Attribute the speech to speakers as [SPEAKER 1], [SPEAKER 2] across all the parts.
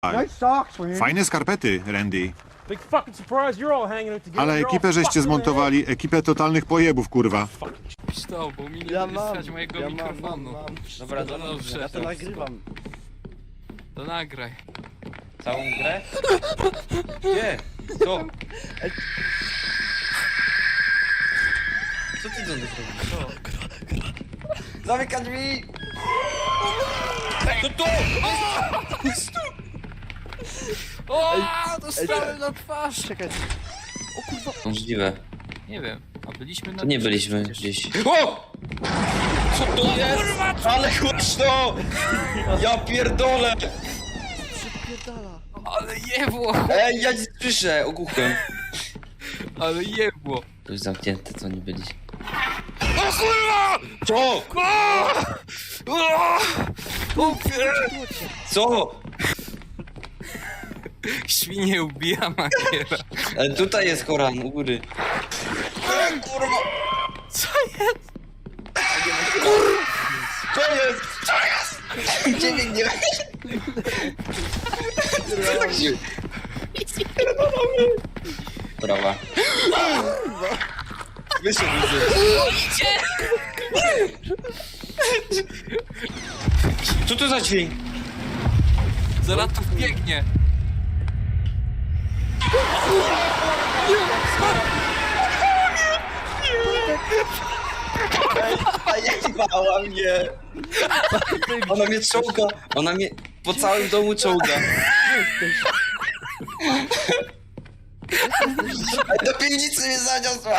[SPEAKER 1] Nice socks, man.
[SPEAKER 2] Fajne skarpety, Randy.
[SPEAKER 3] Big fucking surprise, you're all hanging out together.
[SPEAKER 2] Ale
[SPEAKER 3] You're all
[SPEAKER 2] ekipę żeście
[SPEAKER 3] fucking
[SPEAKER 2] zmontowali, ekipę totalnych pojebów, kurwa.
[SPEAKER 4] To, bo mi nie
[SPEAKER 1] Ja
[SPEAKER 4] będzie
[SPEAKER 1] mam,
[SPEAKER 4] stać mojego
[SPEAKER 1] ja
[SPEAKER 4] mikrofonu.
[SPEAKER 1] mam.
[SPEAKER 4] Dobra, to dobrze.
[SPEAKER 1] Ja to nagrywam.
[SPEAKER 4] To nagraj.
[SPEAKER 5] Całą grę? Gdzie? Co? Co ty do nich robisz? Zamykaj drzwi! Co to?
[SPEAKER 4] O, dostałem na twarz!
[SPEAKER 1] Czekaj.
[SPEAKER 5] Możliwe.
[SPEAKER 4] Nie wiem, a byliśmy na...
[SPEAKER 5] To nie byliśmy gdzieś. O! Co to jest? Ale głośno! Ja pierdolę!
[SPEAKER 1] Przypierdala.
[SPEAKER 4] Ale jebło!
[SPEAKER 5] Ej, ja nie słyszę! Ogłuchłem.
[SPEAKER 4] Ale jebło!
[SPEAKER 5] To już zamknięte, co nie byliśmy.
[SPEAKER 4] O kurwa!
[SPEAKER 5] Co?
[SPEAKER 4] O,
[SPEAKER 5] Co?
[SPEAKER 4] świnie ubija Magiera.
[SPEAKER 5] Tutaj jest Koran, u góry. Kurwa!
[SPEAKER 4] Co jest?
[SPEAKER 5] Co jest? Co jest? Gdzie biegnie? Co tak się... Brawa. Wyszedł widzę. Co to za dźwięk?
[SPEAKER 4] Zaraz tu biegnie.
[SPEAKER 5] A jebała mnie! Ona mnie czołga! Ona mnie po całym domu czołga! Do piwnicy mnie zaniosła!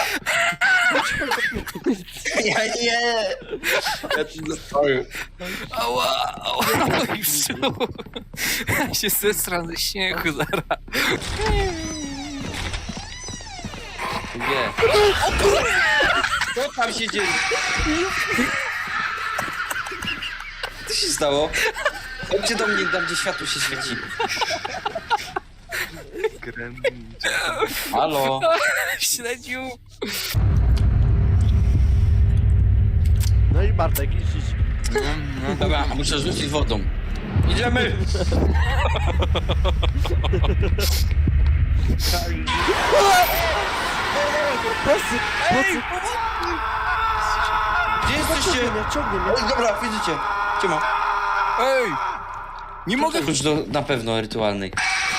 [SPEAKER 5] Ja nie! Ja tu zostałem.
[SPEAKER 4] Ała, ała, i w brzuchu. Ja się zesram ze śmiechu zaraz.
[SPEAKER 5] Nie. Co tam się dzieje? Co się stało? Chodźcie do mnie, tam gdzie światło się świeci. Halo?
[SPEAKER 4] Śledziu.
[SPEAKER 1] No i Bartek, idź.
[SPEAKER 5] Dobra, muszę rzucić wodą. Idziemy!
[SPEAKER 1] Prosy, prosy.
[SPEAKER 5] Gdzie jesteście?
[SPEAKER 1] Ciągnie mnie.
[SPEAKER 5] Oj, dobra, widzicie. Ciema.
[SPEAKER 4] Ej! Nie mogę...
[SPEAKER 5] Już na pewno rytualnej.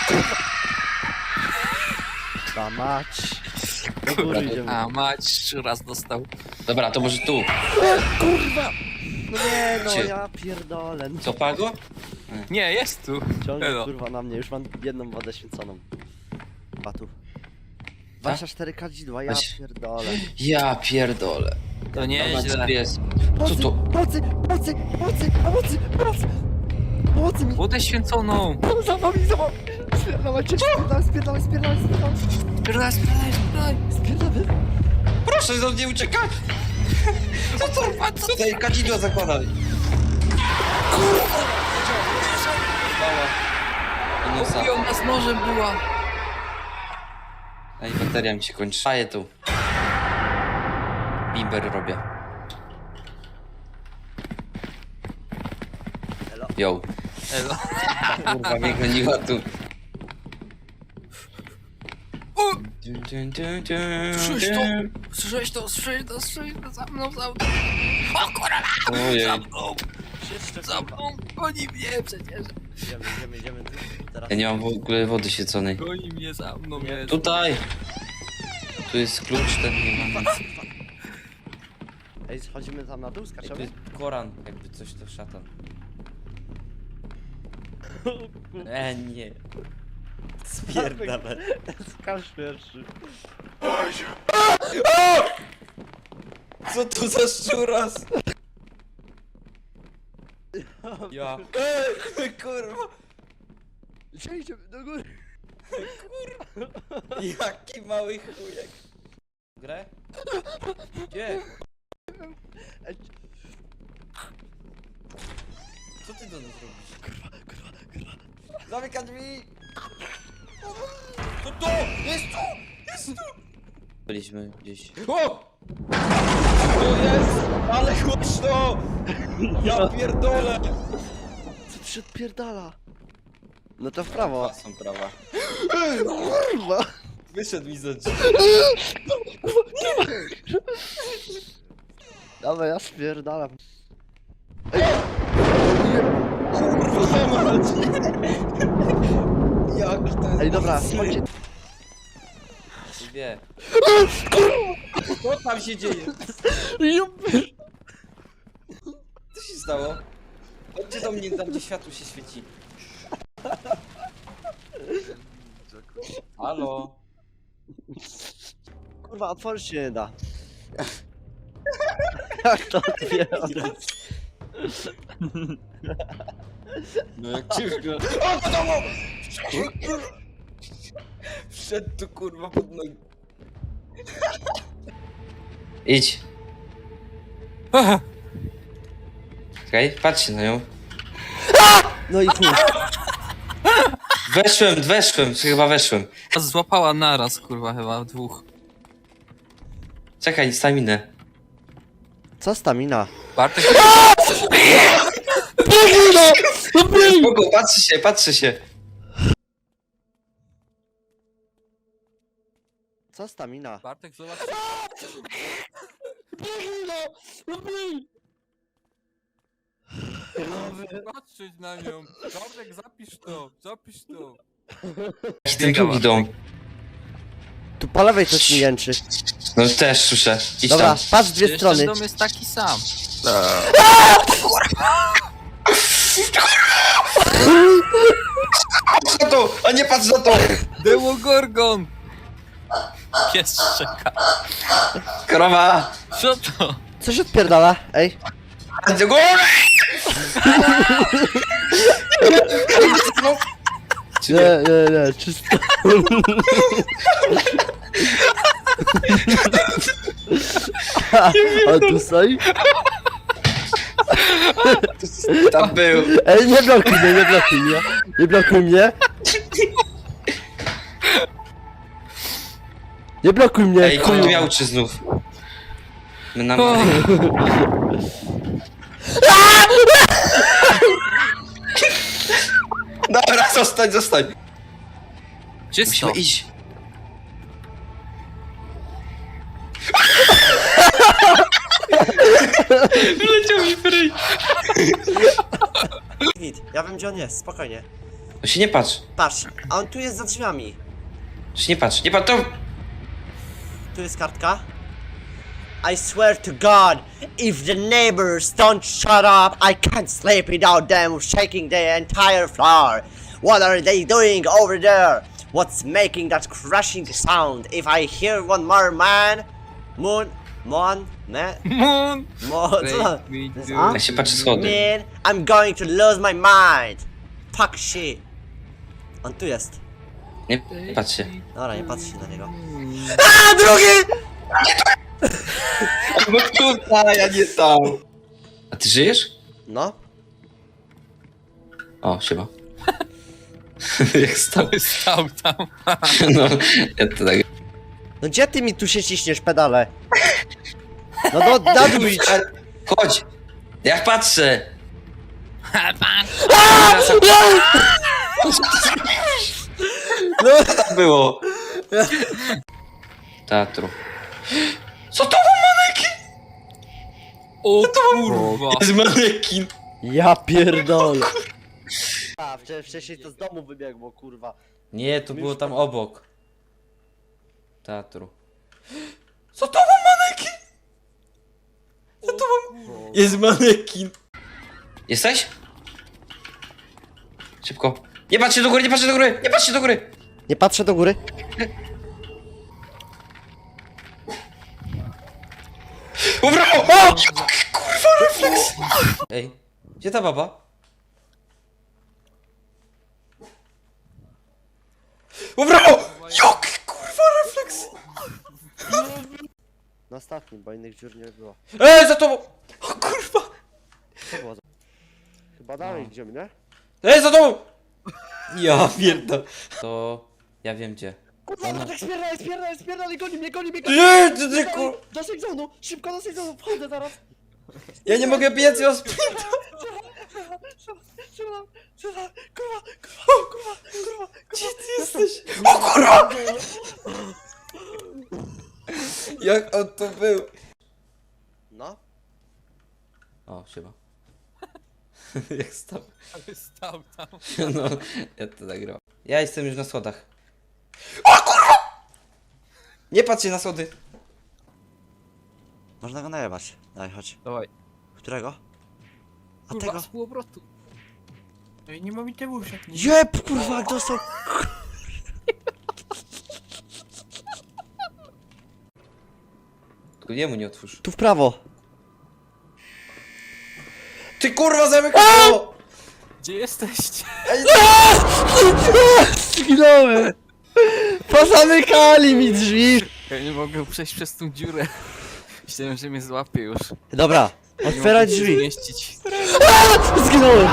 [SPEAKER 1] Ta mać. Do góry idziemy.
[SPEAKER 4] A mać, raz dostał.
[SPEAKER 5] Dobra, to może tu.
[SPEAKER 1] Kurwa! No nie, no
[SPEAKER 5] Gdzie?
[SPEAKER 1] ja pierdolę.
[SPEAKER 5] Co, Pago?
[SPEAKER 4] Nie, jest tu.
[SPEAKER 1] Ciągnie
[SPEAKER 4] Elo.
[SPEAKER 1] kurwa na mnie, już mam jedną wodę święconą. Batów. 24 kadzidła, ja
[SPEAKER 5] Weź.
[SPEAKER 1] pierdolę.
[SPEAKER 5] Ja pierdolę.
[SPEAKER 4] To nieźle.
[SPEAKER 5] Jest. Co to?
[SPEAKER 1] Pomocy, pomocy, pomocy, pomocy, pomocy! Pomocy mi!
[SPEAKER 4] Wodę święconą.
[SPEAKER 1] Za wami, za wami! Spierdalaj, spierdalaj, spierdalaj, spierdalaj, spierdalaj!
[SPEAKER 4] Spieraj, spieraj, spieraj.
[SPEAKER 1] Spierdalaj!
[SPEAKER 5] Proszę do mnie uciekać! Co to? Co tutaj kadzidła zakładaj? Nosa.
[SPEAKER 4] I ona z nożem była.
[SPEAKER 5] Ej, bateria mi się kończy. Faję tu. Bimber robię. Yo.
[SPEAKER 4] Elo.
[SPEAKER 5] Kurwa, mnie goniła tu.
[SPEAKER 4] O!
[SPEAKER 5] Dun, dun, dun, dun,
[SPEAKER 4] Słyszałeś to?
[SPEAKER 5] dun.
[SPEAKER 4] Słyszałeś to? Słyszałeś to? Słyszałeś to? Za mną, za mną. O kurwa!
[SPEAKER 5] Ojej.
[SPEAKER 4] Za mną! Za mną! Goni mnie przecież!
[SPEAKER 1] Idziemy, teraz.
[SPEAKER 5] Ja nie mam w ogóle wody świeconej.
[SPEAKER 4] Goni mnie za mną, jest.
[SPEAKER 5] Tutaj! Tu jest klucz, ten nie mam nic.
[SPEAKER 1] Ej, schodzimy tam na dół,
[SPEAKER 5] Ej, tu
[SPEAKER 1] skaczemy?
[SPEAKER 5] jest Koran, jakby coś to szatan. Nie. Spierdalę.
[SPEAKER 1] Skacz pierwszy.
[SPEAKER 5] Co to za szczuras? Ja. Ej, kurwa!
[SPEAKER 1] Gdzie idziemy? Do góry!
[SPEAKER 5] Jaki mały chujek. Grę? Gdzie?
[SPEAKER 1] Ej,
[SPEAKER 5] Co ty do nas robisz? Kurwa. Zamykaj drzwi! Co to? Jest tu! Jest tu! Byliśmy gdzieś. O! To jest! Ale głośno! Ja pierdolę!
[SPEAKER 1] co tu się odpierdala? No to w prawo.
[SPEAKER 5] Są prawa.
[SPEAKER 1] Kurwa.
[SPEAKER 5] Wyszedł mi za drzwi.
[SPEAKER 1] Dawaj, ja spierdalam.
[SPEAKER 5] Kurwa mać! Jak to jest...
[SPEAKER 1] Ej, dobra, chodźcie.
[SPEAKER 5] Wie. Co tam się dzieje? Co się stało? Chodźcie do mnie, tam gdzie światło się świeci. Halo?
[SPEAKER 1] Kurwa, otworzyć się nie da. Jak to otwieram?
[SPEAKER 5] No jak ciężko. O, do domu! Wszedł tu kurwa pod nogi. Idź.
[SPEAKER 4] Aha.
[SPEAKER 5] Czekaj, patrzcie na nią.
[SPEAKER 1] No i chuj.
[SPEAKER 5] Weszłem, chyba weszłem.
[SPEAKER 4] Złapała naraz, kurwa, chyba dwóch.
[SPEAKER 5] Czekaj, staminę.
[SPEAKER 1] Co stamina?
[SPEAKER 4] Bartek...
[SPEAKER 5] Spoko, patrzy się.
[SPEAKER 1] Co stamina?
[SPEAKER 4] Bartek, zobacz... Patrzeć na nią. Bartek, zapisz to.
[SPEAKER 5] Ten drugi dom.
[SPEAKER 1] Tu po lewej coś mi jęczy.
[SPEAKER 5] No też słyszę. Idź
[SPEAKER 1] Dobra,
[SPEAKER 5] tam.
[SPEAKER 1] patrz dwie
[SPEAKER 4] Przecież
[SPEAKER 1] strony.
[SPEAKER 4] ten dom jest taki sam.
[SPEAKER 5] Patrz na to, a nie patrz na to!
[SPEAKER 4] Demogorgon! Pies czeka.
[SPEAKER 5] Krowa!
[SPEAKER 4] Co to?
[SPEAKER 1] Co się odpierdala? Ej.
[SPEAKER 5] Do góry!
[SPEAKER 1] Nie, czysto. A tu stoi?
[SPEAKER 5] Tam był.
[SPEAKER 1] Ej, nie blokuj mnie, nie blokuj mnie. Nie blokuj mnie. Nie blokuj mnie,
[SPEAKER 5] Ej,
[SPEAKER 1] chuju.
[SPEAKER 5] on miał czy znów? My nam...
[SPEAKER 4] O.
[SPEAKER 5] Dobra, zostań.
[SPEAKER 4] Gdzie jest to?
[SPEAKER 5] Musimy iść. Wyleciał mi w ryj.
[SPEAKER 6] Ja wiem gdzie on jest, spokojnie.
[SPEAKER 5] No się nie patrz.
[SPEAKER 6] Patrz, a on tu jest za drzwiami.
[SPEAKER 5] Się nie patrz, to...
[SPEAKER 6] Tu jest kartka. I swear to God, if the neighbors don't shut up, I can't sleep without them shaking the entire floor. What are they doing over there? What's making that crashing sound? If I hear one more man,
[SPEAKER 4] Moon!
[SPEAKER 6] co to?
[SPEAKER 4] Break me
[SPEAKER 6] To jest
[SPEAKER 4] through.
[SPEAKER 6] A?
[SPEAKER 5] Ja się patrzę schody.
[SPEAKER 6] Man, I'm going to lose my mind. Fuck shit. On tu jest.
[SPEAKER 5] Nie patrz się.
[SPEAKER 6] Dobra, nie patrzcie na niego.
[SPEAKER 5] No tutaj, ja nie tam. A ty żyjesz?
[SPEAKER 6] No.
[SPEAKER 5] O, siema. Jak stał?
[SPEAKER 4] Stał tam.
[SPEAKER 5] No, ja to tak...
[SPEAKER 1] No gdzie ty mi tu się ciśniesz, pedale? No na dół idź.
[SPEAKER 5] Chodź! Ja patrzę! No co tam było? Teatru. Co to był manekin?
[SPEAKER 4] O kurwa.
[SPEAKER 5] Jest manekin!
[SPEAKER 1] Ja pierdolę. A, wcześniej to z domu wybiegło, kurwa.
[SPEAKER 5] Nie, to było tam obok. Teatru. Co to był manekin? Co to był? Jest manekin. Jesteś? Szybko. Nie patrzcie do góry, nie patrzcie do góry, nie patrzcie do góry!
[SPEAKER 1] Nie patrzę do góry.
[SPEAKER 5] O brawo! O! Kurwa refleks! Ej, gdzie ta baba? O brawo! Jaki kurwa refleks!
[SPEAKER 1] Na ostatnim, bo innych dziur nie było.
[SPEAKER 5] Ej, za tobą! O kurwa!
[SPEAKER 1] Co było za... Chyba dalej idziemy, nie?
[SPEAKER 5] Ej, za tobą! Ja pierdolę. To... ja wiem gdzie.
[SPEAKER 1] Kurwa,
[SPEAKER 5] Ona-
[SPEAKER 1] tak spierdalaj, goni mnie,
[SPEAKER 5] Nie, ty kur...
[SPEAKER 1] Do sejzonu, szybko do sejzonu, wchodzę zaraz.
[SPEAKER 5] Ja nie mogę biec, ja
[SPEAKER 1] Strzela! Strzela! Kurwa!
[SPEAKER 5] Gdzie ty jesteś? O kurwa! Jak on to był?
[SPEAKER 1] No?
[SPEAKER 5] O, siema. Jak stał?
[SPEAKER 4] Ale stał tam.
[SPEAKER 5] No, ja to nagrałem. Ja jestem już na schodach. O kurwa! Nie patrzcie na schody.
[SPEAKER 6] Można go najebać. Daj, chodź.
[SPEAKER 4] Dawaj.
[SPEAKER 6] Którego? A
[SPEAKER 4] Kurwa,
[SPEAKER 6] tego?
[SPEAKER 4] z półobrotu. Ej, nie ma mi tego już.
[SPEAKER 6] Jeb, kurwa, jak dostał.
[SPEAKER 5] Tylko jemu nie otwórz.
[SPEAKER 6] Tu w prawo.
[SPEAKER 5] Ty kurwa zamykaj to!
[SPEAKER 4] Gdzie jesteście?
[SPEAKER 1] Zginąłem! Pozamykali mi drzwi!
[SPEAKER 4] Ja nie mogę przejść przez tą dziurę. Myślałem, że mnie złapie już.
[SPEAKER 6] Dobra,
[SPEAKER 4] Nie
[SPEAKER 6] otwierać
[SPEAKER 4] mogę się
[SPEAKER 6] drzwi.
[SPEAKER 4] zmieścić.
[SPEAKER 1] Zginąłem!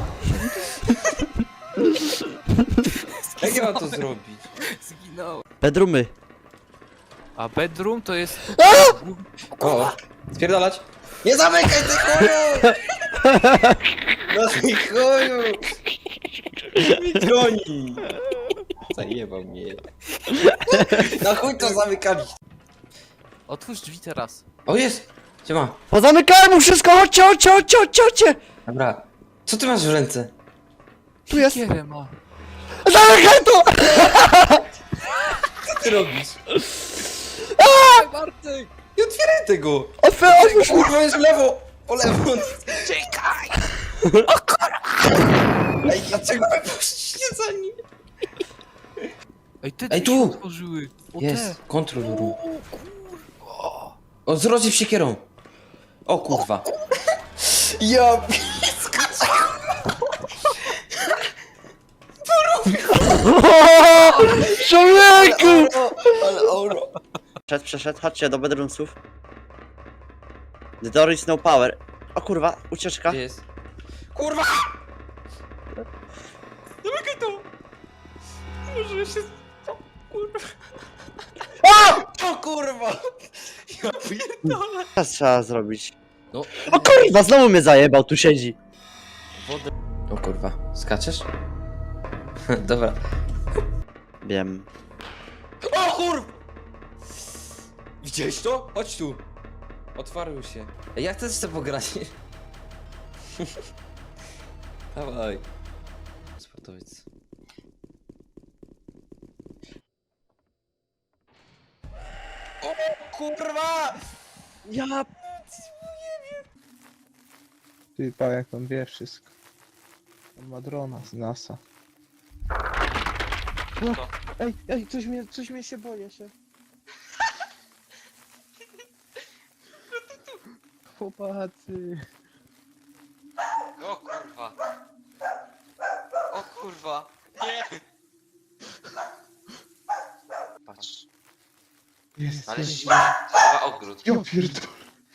[SPEAKER 5] Jak ja mam to zrobić?
[SPEAKER 4] Zginąłem.
[SPEAKER 1] Bedroomy.
[SPEAKER 4] A bedroom to jest...
[SPEAKER 5] O, spierdalać. Nie zamykaj ty chuju! No ty chuju! Mi goni! Zajebał mnie. Na chuj to zamykali.
[SPEAKER 4] Otwórz drzwi teraz.
[SPEAKER 5] O jest! Siema.
[SPEAKER 1] Pozamykałem mu wszystko! Chodźcie!
[SPEAKER 5] Dobra. Co ty masz w ręce?
[SPEAKER 1] Tu jest!
[SPEAKER 4] Kierę ma.
[SPEAKER 1] Zamykaj to!
[SPEAKER 5] Co ty robisz?
[SPEAKER 4] Bartek!
[SPEAKER 5] Nie otwieraj tego!
[SPEAKER 1] Otwórz!
[SPEAKER 5] Kurwa jest w lewo! Po lewo!
[SPEAKER 4] Czekaj!
[SPEAKER 5] Ej, dlaczego wy poszliście za nim?
[SPEAKER 4] Ej, te
[SPEAKER 5] Ej,
[SPEAKER 4] drzwi
[SPEAKER 5] tu!
[SPEAKER 4] się otworzyły. O
[SPEAKER 5] Jest,
[SPEAKER 4] te.
[SPEAKER 5] kontrol room. O, z rozjew siekierą. O kurwa. Ja skaczę.
[SPEAKER 1] Człowieku!
[SPEAKER 5] Ale oro.
[SPEAKER 6] Przeszedł, chodźcie do bedroomsów. The door is no power. O kurwa, ucieczka.
[SPEAKER 5] Gdzie jest? Kurwa! Zamykaj to! Może się... O kurwa. O kurwa! Ja pierdolę.
[SPEAKER 6] Teraz trzeba zrobić.
[SPEAKER 5] No,
[SPEAKER 6] O kurwa, znowu mnie zajebał, tu siedzi.
[SPEAKER 5] wodę. O kurwa, skaczesz? Dobra.
[SPEAKER 6] Wiem.
[SPEAKER 5] O kurwa! Widziałeś to? Chodź tu. Otwarł się. Ej, jak też chcę pograć? Dawaj. Sportowiec. O kurwa!
[SPEAKER 6] Ja...
[SPEAKER 7] Ty pa, jak on wie wszystko. On ma drona z NASA. No, ej, coś mnie się boję się. Chłopacy.
[SPEAKER 5] O kurwa. O kurwa. Nie. Patrz.
[SPEAKER 7] Jest,
[SPEAKER 5] Ale
[SPEAKER 7] jest.
[SPEAKER 5] chyba ogród.
[SPEAKER 7] Ja pierdolę.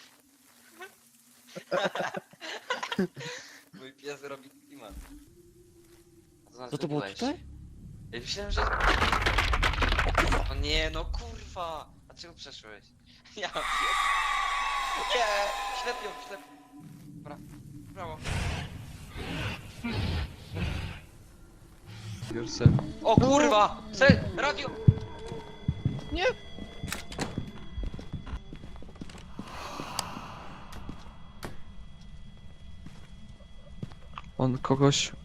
[SPEAKER 5] Mój pies robi klimat.
[SPEAKER 1] Co to było tutaj?
[SPEAKER 5] Ja myślałem, że... O nie, no kurwa! Dlaczego przeszłeś? Ja pier... Nie! Ślepią, ślepią. Dobra, brawo. O kurwa! Radio!
[SPEAKER 8] On kogoś